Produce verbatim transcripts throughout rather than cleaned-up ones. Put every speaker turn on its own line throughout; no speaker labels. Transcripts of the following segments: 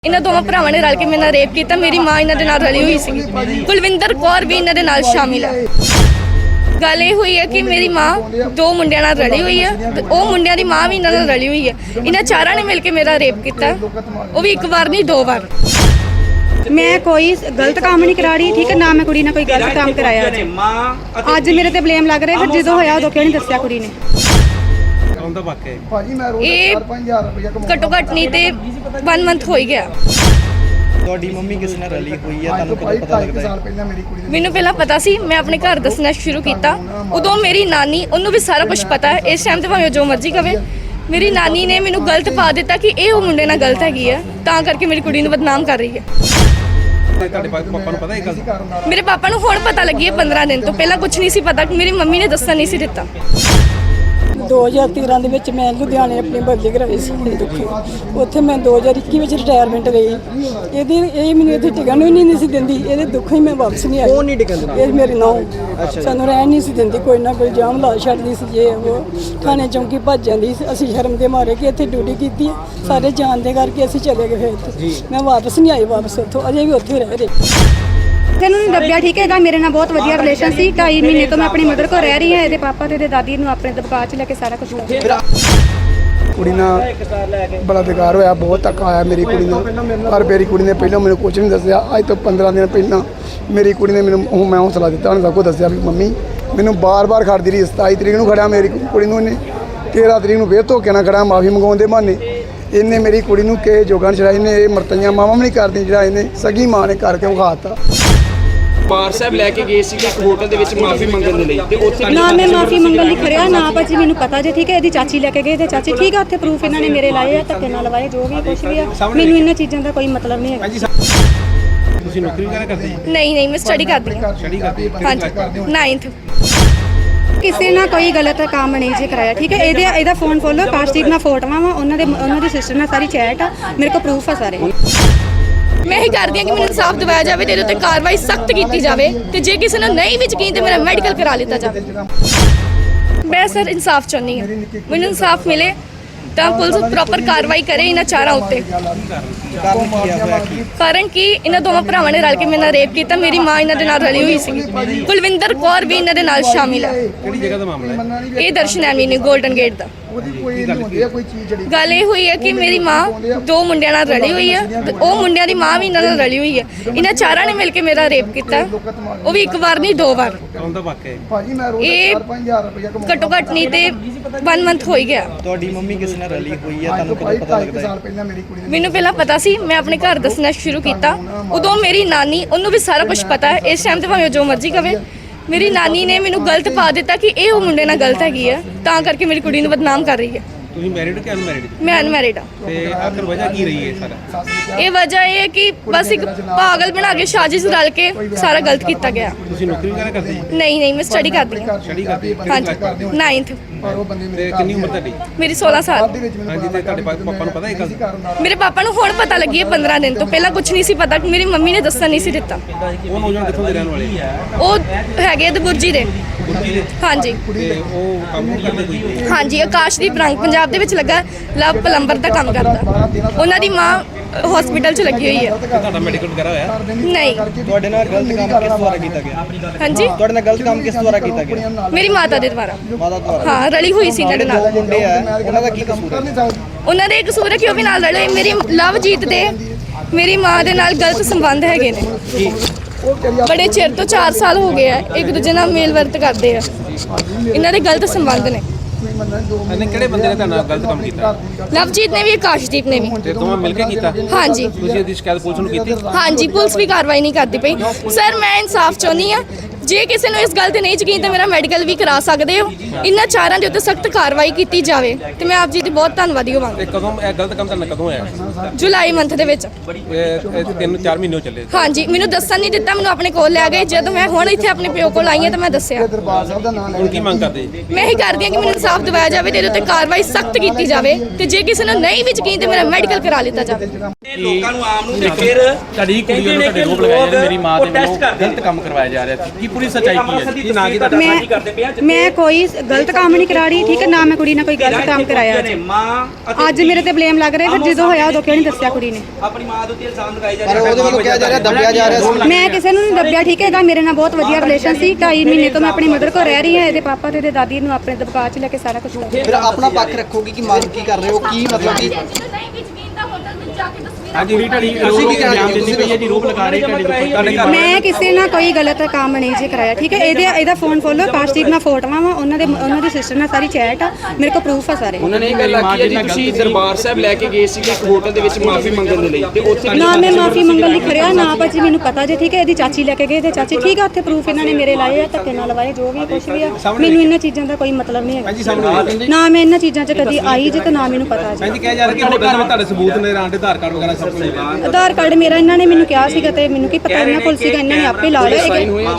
ਇਹਨਾਂ ਦੋਵਾਂ ਭਰਾਵਾਂ ਨੇ ਰਲ ਕੇ ਮੇਰੇ ਨਾਲ ਰੇਪ ਕੀਤਾ। ਮੇਰੀ ਮਾਂ ਇਹਨਾਂ ਦੇ ਨਾਲ ਰਲੀ ਹੋਈ ਸੀ। ਕੁਲਵਿੰਦਰ ਕੌਰ ਵੀ ਇਹਨਾਂ ਦੇ ਨਾਲ ਸ਼ਾਮਿਲ ਹੈ। ਗੱਲ ਇਹ ਹੋਈ ਹੈ ਕਿ ਮੇਰੀ ਮਾਂ ਦੋ ਮੁੰਡਿਆਂ ਨਾਲ ਰਲੀ ਹੋਈ ਹੈ ਤੇ ਉਹ ਮੁੰਡਿਆਂ ਦੀ ਮਾਂ ਵੀ ਇਹਨਾਂ ਨਾਲ ਰਲੀ ਹੋਈ ਹੈ। ਇਹਨਾਂ ਚਾਰਾਂ ਨੇ ਮਿਲ ਕੇ ਮੇਰਾ ਰੇਪ ਕੀਤਾ, ਉਹ ਵੀ ਇੱਕ ਵਾਰ ਨਹੀਂ ਦੋ ਵਾਰ।
ਮੈਂ ਕੋਈ ਗਲਤ ਕੰਮ ਨਹੀਂ ਕਰਾ ਰਹੀ, ਠੀਕ ਹੈ ਨਾ, ਮੈਂ ਕੁੜੀ ਨਾਲ ਕੋਈ ਗਲਤ ਕੰਮ ਕਰਾਇਆ। ਅੱਜ ਮੇਰੇ ਤੇ ਬਲੇਮ ਲੱਗ ਰਿਹਾ, ਫਿਰ ਜਦੋਂ ਹੋਇਆ ਉਦੋਂ ਕਿਉਂ ਨਹੀਂ ਦੱਸਿਆ ਕੁੜੀ ਨੇ? ਇਹ ਘੱਟੋ ਘੱਟ ਨਹੀਂ ਤੇ वन ਮੰਥ ਹੋ ਹੀ ਗਿਆ।
ਤੁਹਾਡੀ ਮੰਮੀ ਕਿਸ ਨਾਲ ਰਲੀ ਹੋਈ ਹੈ, ਤੁਹਾਨੂੰ ਕਦੋਂ ਪਤਾ ਲੱਗਦਾ ਹੈ?
ਮੈਨੂੰ ਪਹਿਲਾਂ ਪਤਾ ਸੀ, ਮੈਂ ਆਪਣੇ ਘਰ ਦੱਸਣਾ ਸ਼ੁਰੂ ਕੀਤਾ। ਉਦੋਂ ਮੇਰੀ ਨਾਨੀ, ਉਹਨੂੰ ਵੀ ਸਾਰਾ ਕੁਝ ਪਤਾ ਹੈ। ਇਸ ਟਾਈਮ ਤੇ ਭਾਵੇਂ ਜੋ ਮਰਜ਼ੀ ਕਵੇ, ਮੇਰੀ ਨਾਨੀ ਨੇ ਮੈਨੂੰ ਗਲਤ ਪਾ ਦਿੱਤਾ ਕਿ ਇਹ ਉਹ ਮੁੰਡੇ ਨਾਲ ਗਲਤ ਹੈਗੀ ਹੈ, ਤਾਂ ਕਰਕੇ ਮੇਰੀ ਕੁੜੀ ਨੂੰ ਬਦਨਾਮ ਕਰ ਰਹੀ ਹੈ।
ਤੁਹਾਡੇ ਪਾਪਾ ਨੂੰ ਪਤਾ ਇਹ ਗੱਲ?
ਮੇਰੇ ਪਾਪਾ ਨੂੰ ਹੁਣ ਪਤਾ ਲੱਗੀ ਹੈ ਪੰਦਰਾਂ ਦਿਨ ਤੋਂ, ਪਹਿਲਾਂ ਕੁਝ ਨਹੀਂ ਸੀ ਪਤਾ। ਮੇਰੀ ਮੰਮੀ ਨੇ ਦੱਸਣ ਨਹੀਂ ਸੀ ਦਿੱਤਾ।
दो हज़ार तेरह ਦੇ ਵਿੱਚ ਮੈਂ ਲੁਧਿਆਣੇ ਆਪਣੀ ਬਦਲੀ ਕਰਾਈ ਸੀ ਦੁੱਖੀ। ਉੱਥੇ ਮੈਂ ਦੋ ਹਜ਼ਾਰ ਇੱਕੀ ਵਿੱਚ ਰਿਟਾਇਰਮੈਂਟ ਲਈ। ਇਹਦੀ ਇਹ ਮੈਨੂੰ ਇੱਥੇ ਟਿਕਣ ਵੀ ਨਹੀਂ ਸੀ ਦਿੰਦੀ, ਇਹਦੇ ਦੁੱਖ ਹੀ ਮੈਂ ਵਾਪਸ ਨਹੀਂ ਆਈ।
ਕੌਣ ਨਹੀਂ ਟਿਕਣ ਦਿੰਦਾ?
ਇਹ ਮੇਰੀ ਨੌਂ ਸਾਨੂੰ ਰਹਿਣ ਨਹੀਂ ਸੀ ਦਿੰਦੀ, ਕੋਈ ਨਾ ਕੋਈ ਜਾਮ ਲਾ ਛੱਡਦੀ ਸੀ। ਜੇ ਉਹ ਥਾਣੇ ਚੌਂਕੀ ਭੱਜ ਜਾਂਦੀ ਸੀ, ਅਸੀਂ ਸ਼ਰਮ ਦੇ ਮਾਰੇ ਕਿ ਇੱਥੇ ਡਿਊਟੀ ਕੀਤੀ ਹੈ, ਸਾਰੇ ਜਾਣਦੇ ਕਰਕੇ ਅਸੀਂ ਚਲੇ ਗਏ। ਫਿਰ ਉੱਥੇ ਮੈਂ ਵਾਪਸ ਨਹੀਂ ਆਈ, ਵਾਪਸ ਉੱਥੋਂ ਅਜੇ ਵੀ ਉੱਥੇ ਰਹਿ ਰਹੀ।
ਤੈਨੂੰ ਨਹੀਂ ਦੱਬਿਆ, ਠੀਕ ਹੈਗਾ। ਮੇਰੇ ਨਾਲ ਬਹੁਤ ਵਧੀਆ ਰਿਲੇਸ਼ਨ ਸੀ। ਢਾਈ ਮਹੀਨੇ ਤੋਂ ਮੈਂ ਆਪਣੀ ਮਦਰ ਕੋਲ ਰਹਿ ਰਹੀ ਹਾਂ। ਇਹਦੇ ਪਾਪਾ ਤੇ ਇਹਦੇ ਦਾਦੀ ਨੂੰ ਆਪਣੇ ਦਬਕਾ 'ਚ ਲੈ ਕੇ ਸਾਰਾ ਕੁਝ ਕਰ
ਕੁੜੀ ਨਾਲ ਬੜਾ ਬੇਕਾਰ ਹੋਇਆ, ਬਹੁਤ ਧੱਕਾ ਆਇਆ ਮੇਰੀ ਕੁੜੀ ਨੂੰ। ਪਰ ਮੇਰੀ ਕੁੜੀ ਨੇ ਪਹਿਲਾਂ ਮੈਨੂੰ ਕੁਝ ਨਹੀਂ ਦੱਸਿਆ। ਅੱਜ ਤੋਂ ਪੰਦਰਾਂ ਦਿਨ ਪਹਿਲਾਂ ਮੇਰੀ ਕੁੜੀ ਨੇ ਮੈਨੂੰ ਉਹ ਮੈਂ ਹੌਸਲਾ ਦਿੱਤਾ, ਉਹਨੇ ਸਭ ਕੁਝ ਦੱਸਿਆ ਵੀ ਮੰਮੀ ਮੈਨੂੰ ਬਾਰ-ਬਾਰ ਖੜਦੀ ਰਹੀ। ਸਤਾਈ ਤਰੀਕ ਨੂੰ ਖੜਿਆ ਮੇਰੀ ਕੁੜੀ ਨੂੰ, ਇਹਨੇ ਤੇਰ੍ਹਾਂ ਤਰੀਕ ਨੂੰ ਫੇਰ ਧੋਕੇ ਨਾਲ ਖੜਾ ਮਾਫੀ ਮੰਗਾਉਣ ਦੇ ਬਹਾਨੇ। ਇਹਨੇ ਮੇਰੀ ਕੁੜੀ ਨੂੰ ਕਿਸੇ ਜੋਗਾਂ ਛੜਾਈ ਨੇ। ਇਹ ਮਰਤਈਆਂ ਮਾਵਾਂ ਵੀ ਨਹੀਂ ਕਰਦੀ, ਜਿਹੜਾ ਇਹਨੇ ਸਗੀ ਮਾਂ ਨੇ ਕਰਕੇ ਵਿਖਾਤਾ।
ਬਾਰ ਸਾਹਿਬ ਲੈ ਕੇ ਗਏ ਸੀ ਇੱਕ ਹੋਟਲ ਦੇ ਵਿੱਚ ਮਾਫੀ ਮੰਗਣ ਦੇ ਲਈ, ਤੇ ਉੱਥੇ
ਨਾ ਮੈਂ ਮਾਫੀ ਮੰਗਣ ਲਈ ਖੜਿਆ ਨਾ ਭਾਜੀ, ਮੈਨੂੰ ਪਤਾ ਜੇ, ਠੀਕ ਹੈ। ਇਹਦੀ ਚਾਚੀ ਲੈ ਕੇ ਗਏ ਤੇ ਚਾਚੀ, ਠੀਕ ਹੈ, ਉੱਥੇ ਪ੍ਰੂਫ ਇਹਨਾਂ ਨੇ ਮੇਰੇ ਲਾਏ ਆ, ਧੱਕੇ ਨਾਲ ਲਵਾਏ, ਜੋ ਵੀ ਕੁਝ ਵੀ ਆ। ਮੈਨੂੰ ਇਹਨਾਂ ਚੀਜ਼ਾਂ ਦਾ ਕੋਈ ਮਤਲਬ ਨਹੀਂ ਹੈਗਾ।
ਤੁਸੀਂ ਨੌਕਰੀ ਵਗੈਰਾ ਕਰਦੇ ਹੋ?
ਨਹੀਂ ਨਹੀਂ, ਮੈਂ ਸਟੱਡੀ ਕਰਦੀ ਹਾਂ।
ਸਟੱਡੀ ਕਰਦੇ ਹੋ?
ਹਾਂਜੀ, ਨਾਈਨਥ।
ਕਿਸੇ ਨਾਲ ਕੋਈ ਗਲਤ ਕੰਮ ਨਹੀਂ ਜੇ ਕਰਾਇਆ, ਠੀਕ ਹੈ। ਇਹਦੇ ਇਹਦਾ ਫੋਨ ਖੋਲੋ, ਕਾਸ਼ਦੀਪ ਨਾਲ ਫੋਟੋਆਂ ਵਾ, ਉਹਨਾਂ ਦੇ ਉਹਨਾਂ ਦੀ ਸਿਸਟਰ ਨਾਲ ਸਾਰੀ ਚੈਟ ਆ, ਮੇਰੇ ਕੋਲ ਪ੍ਰੂਫ ਆ ਸਾਰੇ।
ਮੈਂ ਇਹ ਕਰਦੀ ਹਾਂ ਕਿ ਮੈਨੂੰ ਇਨਸਾਫ ਦਿਵਾਇਆ ਜਾਵੇ ਤੇ ਇਹਦੇ ਉੱਤੇ ਕਾਰਵਾਈ ਸਖਤ ਕੀਤੀ ਜਾਵੇ, ਤੇ ਜੇ ਕਿਸੇ ਨੂੰ ਨਹੀਂ ਵੀ ਯਕੀਨ ਤੇ ਮੇਰਾ ਮੈਡੀਕਲ ਕਰਾ ਲਿੱਤਾ ਜਾਵੇ। ਮੈਂ ਸਰ ਇਨਸਾਫ ਚਾਹੁੰਦੀ ਹਾਂ, ਮੈਨੂੰ ਇਨਸਾਫ ਮਿਲੇ ਤਾਂ ਪੁਲਿਸ ਪ੍ਰੋਪਰ ਕਾਰਵਾਈ ਕਰੇ ਇਹਨਾਂ ਚਾਰਾਂ ਉੱਤੇ। ਕਾਰਨ ਕਿ ਇਹਨਾਂ ਦੋਵਾਂ ਭਰਾਵਾਂ ਨੇ ਰਲ ਕੇ ਮੇਰੇ ਨਾਲ ਰੇਪ ਕੀਤਾ। ਮੇਰੀ ਮਾਂ ਇਹਨਾਂ ਦੇ ਨਾਲ ਰਲੀ ਹੋਈ ਸੀ। ਕੁਲਵਿੰਦਰ ਕੌਰ ਵੀ ਇਹਨਾਂ ਦੇ ਨਾਲ ਸ਼ਾਮਿਲ ਹੈ।
ਕਿਹੜੀ ਜਗ੍ਹਾ ਦਾ ਮਾਮਲਾ ਹੈ?
ਇਹ ਦਰਸ਼ਨ ਐਵੀਨਿਊ ਗੋਲਡਨ ਗੇਟ ਦਾ। ਗੱਲ ਇਹ ਹੋਈ ਹੈ ਕਿ ਮੇਰੀ ਮਾਂ ਦੋ ਮੁੰਡਿਆਂ ਨਾਲ ਰਲੀ ਹੋਈ ਹੈ ਤੇ ਉਹ ਮੁੰਡਿਆਂ ਦੀ ਮਾਂ ਵੀ ਇਹਨਾਂ ਨਾਲ ਰਲੀ ਹੋਈ ਹੈ। ਇਹਨਾਂ ਚਾਰਾਂ ਨੇ ਮਿਲ ਕੇ ਮੇਰਾ ਰੇਪ ਕੀਤਾ, ਉਹ ਵੀ ਇੱਕ ਵਾਰ ਨਹੀਂ ਦੋ ਵਾਰ।
ਕੌਣ ਦਾ ਵਾਕਿਆ ਹੈ?
ਇਹ ਘੱਟੋ ਘੱਟ ਨਹੀਂ ਤੇ वन ਮੰਥ ਹੋ ਹੀ ਗਿਆ।
ਤੁਹਾਡੀ ਮੰਮੀ ਕਿਸ ਨਾਲ ਰਲੀ ਹੋਈ ਹੈ, ਤੁਹਾਨੂੰ ਕਦੋਂ ਪਤਾ ਲੱਗਦਾ ਹੈ?
ਮੈਨੂੰ ਪਹਿਲਾਂ ਪਤਾ ਸੀ, ਮੈਂ ਆਪਣੇ ਘਰ ਦੱਸਣਾ ਸ਼ੁਰੂ ਕੀਤਾ। ਉਦੋਂ ਮੇਰੀ ਨਾਨੀ, ਉਹਨੂੰ ਵੀ ਸਾਰਾ ਕੁਝ ਪਤਾ ਹੈ। ਇਸ ਟਾਈਮ ਤੇ ਭਾਵੇਂ ਜੋ ਮਰਜ਼ੀ ਕਵੇ, ਮੇਰੀ ਨਾਨੀ ਨੇ ਮੈਨੂੰ ਗਲਤ ਪਾ ਦਿੱਤਾ ਕਿ ਇਹ ਉਹ ਮੁੰਡੇ ਨਾਲ ਗਲਤ ਹੈਗੀ ਹੈ, ਤਾਂ ਕਰਕੇ ਮੇਰੀ ਕੁੜੀ ਨੂੰ ਬਦਨਾਮ ਕਰ ਰਹੀ ਹੈ।
ਤੁਸੀਂ ਮੈਰਿਡ ਕਿ ਅਨਮੈਰਿਡ?
ਮੈਂ ਅਨਮੈਰਿਡ ਹਾਂ।
ਤੇ ਆਖਰ ਵਜ੍ਹਾ ਕੀ ਰਹੀ ਹੈ ਸਾਰਾ?
ਇਹ ਵਜ੍ਹਾ ਇਹ ਹੈ ਕਿ ਬਸ ਇੱਕ ਪਾਗਲ ਬਣਾ ਕੇ ਸਾਜ਼ਿਸ਼ ਰਲ ਕੇ ਸਾਰਾ ਗਲਤ ਕੀਤਾ ਗਿਆ।
ਤੁਸੀਂ ਨੌਕਰੀ ਵਗੈਰਾ ਕਰਦੇ ਹੋ?
ਨਹੀਂ ਨਹੀਂ, ਮੈਂ ਸਟੱਡੀ ਕਰਦੀ ਹਾਂ।
ਸਟੱਡੀ ਕਰਦੇ ਹੋ?
ਹਾਂਜੀ, ਨਾਈਨਥ।
ਤੇ ਕਿੰਨੀ ਉਮਰ ਤੁਹਾਡੀ?
ਮੇਰੀ ਸੋਲਾਂ ਸਾਲ।
ਹਾਂਜੀ, ਤੇ ਤੁਹਾਡੇ ਪਾਪਾ ਨੂੰ ਪਤਾ ਇਹ ਗੱਲ?
ਮੇਰੇ ਪਾਪਾ ਨੂੰ ਹੁਣ ਪਤਾ ਲੱਗੀ ਹੈ ਪੰਦਰਾਂ ਦਿਨ ਤੋਂ, ਪਹਿਲਾਂ ਕੁਝ ਨਹੀਂ ਸੀ ਪਤਾ। ਮੇਰੀ ਮੰਮੀ ਨੇ ਦੱਸਣ ਨਹੀਂ ਸੀ ਦਿੱਤਾ।
ਉਹ ਨੌਜਵਾਨ ਕਿੱਥੋਂ ਦੇ ਰਹਿਣ ਵਾਲੇ?
ਉਹ ਹੈਗੇ ਦਬੁਰਜੀ ਦੇ। ਹਾਂਜੀ,
ਤੇ ਉਹ ਕੰਮ ਨਹੀਂ ਕਰਦੇ ਕੋਈ?
ਹਾਂਜੀ, ਆਕਾਸ਼ਦੀਪ ਰੰਗ ਪੰਜਾਬ ਦੇ ਵਿੱਚ ਲੱਗਾ, ਲਵ ਪਲੰਬਰ ਦਾ ਕੰਮ ਕਰਦਾ। ਉਹਨਾਂ ਦੀ ਮਾਂ ਹਸਪੀਟਲ 'ਚ ਲੱਗੀ ਹੋਈ ਹੈ।
ਤੁਹਾਡਾ ਮੈਡੀਕਲ ਵਗੈਰਾ ਹੋਇਆ?
ਨਹੀਂ।
ਤੁਹਾਡੇ ਨਾਲ ਗਲਤ ਕੰਮ ਕਿਸ ਦੁਆਰਾ ਕੀਤਾ ਗਿਆ?
ਹਾਂਜੀ,
ਤੁਹਾਡੇ ਨਾਲ ਗਲਤ ਕੰਮ ਕਿਸ ਦੁਆਰਾ ਕੀਤਾ ਗਿਆ?
ਮੇਰੀ ਮਾਤਾ ਦੇ ਦੁਆਰਾ।
ਮਾਤਾ ਦੁਆਰਾ?
ਹਾਂ, ਰਲੀ ਹੋਈ ਸੀ ਇਹਨਾਂ ਦੇ ਨਾਲ।
ਮੁੰਡੇ ਆ, ਉਹਨਾਂ ਦਾ ਕੀ ਕਸੂਰ ਹੈ?
ਉਹਨਾਂ ਦੇ ਕਸੂਰ ਹੈ ਕਿ ਉਹ ਵੀ ਨਾਲ ਰਲੇ। ਮੇਰੀ ਲਵਜੀਤ ਦੇ ਮੇਰੀ ਮਾਂ ਦੇ ਨਾਲ ਗਲਤ ਸੰਬੰਧ ਹੈਗੇ ਨੇ। ਬੜੇ ਚਿਰ ਤੋਂ ਚਾਰ ਸਾਲ ਹੋ ਗਏ ਆ, ਇੱਕ ਦੂਜੇ ਨਾਲ ਮੇਲ ਵਰਤ ਕਰਦੇ ਆ। ਇਹਨਾਂ ਦੇ ਗਲਤ ਸੰਬੰਧ ਨੇ।
ਇਹਨੇ ਕਿਹੜੇ ਬੰਦੇ ਨੇ ਤੁਹਾਡੇ ਨਾਲ ਗਲਤ ਕੰਮ ਕੀਤਾ?
ਲਵਜੀਤ ਨੇ ਵੀ, ਆਕਾਸ਼ਦੀਪ ਨੇ ਵੀ।
ਤੇ ਦੋਵਾਂ ਮਿਲ ਕੇ ਕੀਤਾ?
ਹਾਂਜੀ।
ਤੁਸੀਂ ਇਹਦੀ ਸ਼ਿਕਾਇਤ ਪੁਲਿਸ ਨੂੰ ਕੀਤੀ?
ਹਾਂਜੀ, ਪੁਲਿਸ ਵੀ ਕਾਰਵਾਈ ਨਹੀਂ ਕਰਦੀ ਪਈ। ਸਰ, ਮੈਂ ਇਨਸਾਫ ਚਾਹੁੰਦੀ ਹਾਂ। ਜੇ ਕਿਸੇ ਨੂੰ ਇਸ ਗੱਲ ਤੇ ਨਹੀਂ ਯਕੀਨ ਤਾਂ ਮੇਰਾ ਮੈਡੀਕਲ ਵੀ ਕਰਾ ਸਕਦੇ ਹੋ। ਇਹਨਾਂ ਚਾਰਾਂ ਦੇ ਉੱਤੇ ਸਖਤ ਕਾਰਵਾਈ ਕੀਤੀ ਜਾਵੇ ਤੇ ਮੈਂ ਆਪ ਜੀ ਦੀ ਬਹੁਤ ਧੰਨਵਾਦੀ ਹੋਵਾਂਗੀ।
ਤੇ ਕਦੋਂ ਇਹ ਗਲਤ ਕੰਮ ਤੁਹਾਡੇ ਨਾਲ ਕਦੋਂ ਹੋਇਆ?
ਜੁਲਾਈ ਮੰਥ ਦੇ ਵਿੱਚ।
ਇਹ ਇਹ ਤਿੰਨ ਚਾਰ ਮਹੀਨੇ ਹੋ ਚੱਲੇ।
ਹਾਂਜੀ, ਮੈਨੂੰ ਦੱਸਣ ਨਹੀਂ ਦਿੱਤਾ, ਮੈਨੂੰ ਆਪਣੇ ਕੋਲ ਲੈ ਗਏ। ਜਦੋਂ ਮੈਂ ਹੁਣ ਇੱਥੇ ਆਪਣੇ ਪਿਓ ਕੋਲ ਆਈ ਹਾਂ ਤਾਂ ਮੈਂ ਦੱਸਿਆ।
ਹੁਣ ਕੀ ਮੰਗ ਕਰਦੇ ਜੀ?
ਮੈਂ ਇਹ ਕਰਦੀ ਹਾਂ ਕਿ ਮੈਨੂੰ ਇਨਸਾਫ ਦਿਵਾਇਆ ਜਾਵੇ ਤੇ ਇਹਦੇ ਉੱਤੇ ਕਾਰਵਾਈ ਸਖਤ ਕੀਤੀ ਜਾਵੇ, ਤੇ ਜੇ ਕਿਸੇ ਨੂੰ ਨਹੀਂ ਵੀ ਯਕੀਨ ਤੇ ਮੇਰਾ ਮੈਡੀਕਲ ਕਰਾ ਲਿੱਤਾ ਜਾਵੇ।
ਲੋਕਾਂ ਨੂੰ ਆਮ ਨੂੰ ਤੇ ਫਿਰ
ਤੁਹਾਡੀ ਕੁੜੀ ਵੱਲੋਂ ਤੁਹਾਡੇ ਰੋਪ ਲਗਾਏ ਜਾ ਰਹੇ, ਮੇਰੀ ਮਾਂ ਦੇ ਵੱਲੋਂ ਗਲਤ ਕੰਮ ਕਰਵਾਇਆ ਜਾ ਰਿਹਾ ਸੀ, ਕੀ ਪੂਰੀ ਸੱਚਾਈ ਕੀ ਹੈ ਜੀ? ਕੀ ਨਾਂ ਕੀ ਤੁਹਾਡਾ?
ਮੈਂ ਮੈਂ ਕੋਈ ਗਲਤ ਕੰਮ ਨਹੀਂ ਕਰਾ ਰਹੀ, ਠੀਕ ਹੈ ਨਾ, ਮੈਂ ਕੁੜੀ ਨਾਲ ਕੋਈ ਗਲਤ ਕੰਮ ਕਰਾਇਆ ਅੱਜ। ਅੱਜ ਮੇਰੇ ਤੇ ਬਲੇਮ ਲੱਗ ਰਿਹਾ, ਫਿਰ ਜਦੋਂ ਹੋਇਆ ਉਦੋਂ ਕਿਉਂ ਨਹੀਂ ਦੱਸਿਆ ਕੁੜੀ ਨੇ?
ਆਪਣੀ ਮਾਂ ਦੇ ਉੱਤੇ ਇਲਜ਼ਾਮ ਲਗਾਏ ਜਾ
ਪਰ ਉਹਦੇ ਵੱਲੋਂ ਕਿਹਾ ਜਾ ਰਿਹਾ ਦੱਬਿਆ ਜਾ ਰਿਹਾ ਸੀ।
ਮੈਂ ਕਿਸੇ ਨੂੰ ਨਹੀਂ ਦੱਬਿਆ, ਠੀਕ ਹੈ, ਇਹਦਾ ਮੇਰੇ ਨਾਲ ਬਹੁਤ ਵਧੀਆ ਰਿਲੇਸ਼ਨ ਸੀ। ਢਾਈ ਮਹੀਨੇ ਤੋਂ ਮੈਂ ਆਪਣੀ ਮਦਰ ਕੋਲ ਰਹਿ ਰਹੀ ਹਾਂ, ਇਹਦੇ ਪਾਪਾ ਤੇ ਇਹਦੇ ਦਾਦੀ ਨੂੰ ਆਪਣੇ ਦਬਕਾ 'ਚ ਲੈ ਕੇ ਸਾਰਾ ਕੁਝ ਕਰ
ਫਿਰ ਆਪਣਾ ਪੱਖ ਰੱਖੋਗੇ ਕਿ ਮੰਗ ਕੀ ਕਰ ਰਹੇ ਹੋ, ਕੀ ਮਤਲਬ ਕਿ
ਹਾਂਜੀ ਵੀ ਢੜੀ ਤੁਸੀਂ ਕੀ ਇਲਜ਼ਾਮ ਦਿੰਦੀ ਪਈ ਹੈ ਜੀ, ਰੋਪ ਲਗਾ ਰਹੇ ਤੁਹਾਡੇ ਉੱਪਰ, ਤੁਹਾਡੇ ਘਰ
ਮੈਂ ਕਿਸੇ ਨਾਲ ਕੋਈ ਗਲਤ ਕੰਮ ਨਹੀਂ ਜੀ ਕਰਾਇਆ, ਠੀਕ ਹੈ। ਇਹਦੇ ਇਹਦਾ ਫੋਨ ਖੋਲੋ, ਕਾਸ਼ਦੀਪ ਨਾਲ ਫੋਟੋਆਂ ਵਾ, ਉਹਨਾਂ ਦੇ ਉਹਨਾਂ ਦੀ ਸਿਸਟਰ ਨਾਲ ਸਾਰੀ ਚੈਟ ਆ, ਮੇਰੇ ਕੋਲ ਪ੍ਰੂਫ ਆ ਸਾਰੇ।
ਉਹਨਾਂ ਨੇ ਇਹ ਗੱਲ ਆਖੀ ਹੈ ਜੀ ਤੁਸੀਂ ਦਰਬਾਰ ਸਾਹਿਬ ਲੈ ਕੇ ਗਏ ਸੀ ਇੱਕ ਹੋਟਲ ਦੇ ਵਿੱਚ ਮਾਫੀ ਮੰਗਣ ਦੇ ਲਈ ਤੇ ਉੱਥੇ
ਨਾ ਮੈਂ ਮਾਫੀ ਮੰਗਣ ਲਈ ਖੜਿਆ ਨਾ ਭਾਜੀ, ਮੈਨੂੰ ਪਤਾ ਜੇ, ਠੀਕ ਹੈ। ਇਹਦੀ ਚਾਚੀ ਲੈ ਕੇ ਗਏ ਤੇ ਚਾਚੀ, ਠੀਕ ਆ, ਉੱਥੇ ਪ੍ਰੂਫ ਇਹਨਾਂ ਨੇ ਮੇਰੇ ਲਾਏ ਆ, ਧੱਕੇ ਨਾਲ ਲਵਾਏ, ਜੋ ਵੀ ਕੁਝ ਵੀ ਆ, ਮੈਨੂੰ ਇਹਨਾਂ ਚੀਜ਼ਾਂ ਦਾ ਕੋਈ ਮਤਲਬ ਨਹੀਂ ਹੈਗਾ। ਨਾ ਮੈਂ ਇਹਨਾਂ ਚੀਜ਼ਾਂ 'ਚ ਕਦੀ ਆਈ ਜੇ ਤੇ ਨਾ ਮੈਨੂੰ ਪਤਾ ਜੀ।
ਹਾਂਜੀ ਕਿਹਾ ਜਾ ਰਿਹਾ ਕਿ ਹੋਟਲ ਵਿੱਚ ਤੁਹਾਡੇ ਸਬੂਤ ਨੇ, ਰਾਂ ਦੇ ਆਧਾਰ ਕਾਰਡ ਵਗੈਰਾ ਸਭ ਕੁਝ ਹੈ।
ਆਧਾਰ ਕਾਰਡ ਮੇਰਾ ਇਹਨਾਂ ਨੇ ਮੈਨੂੰ ਕਿਹਾ ਸੀਗਾ ਤੇ ਮੈਨੂੰ ਕੀ ਪਤਾ ਇਹਨਾਂ ਕੋਲ ਸੀਗਾ, ਇਹਨਾਂ ਨੇ ਆਪੇ ਲਾ ਲਿਆ।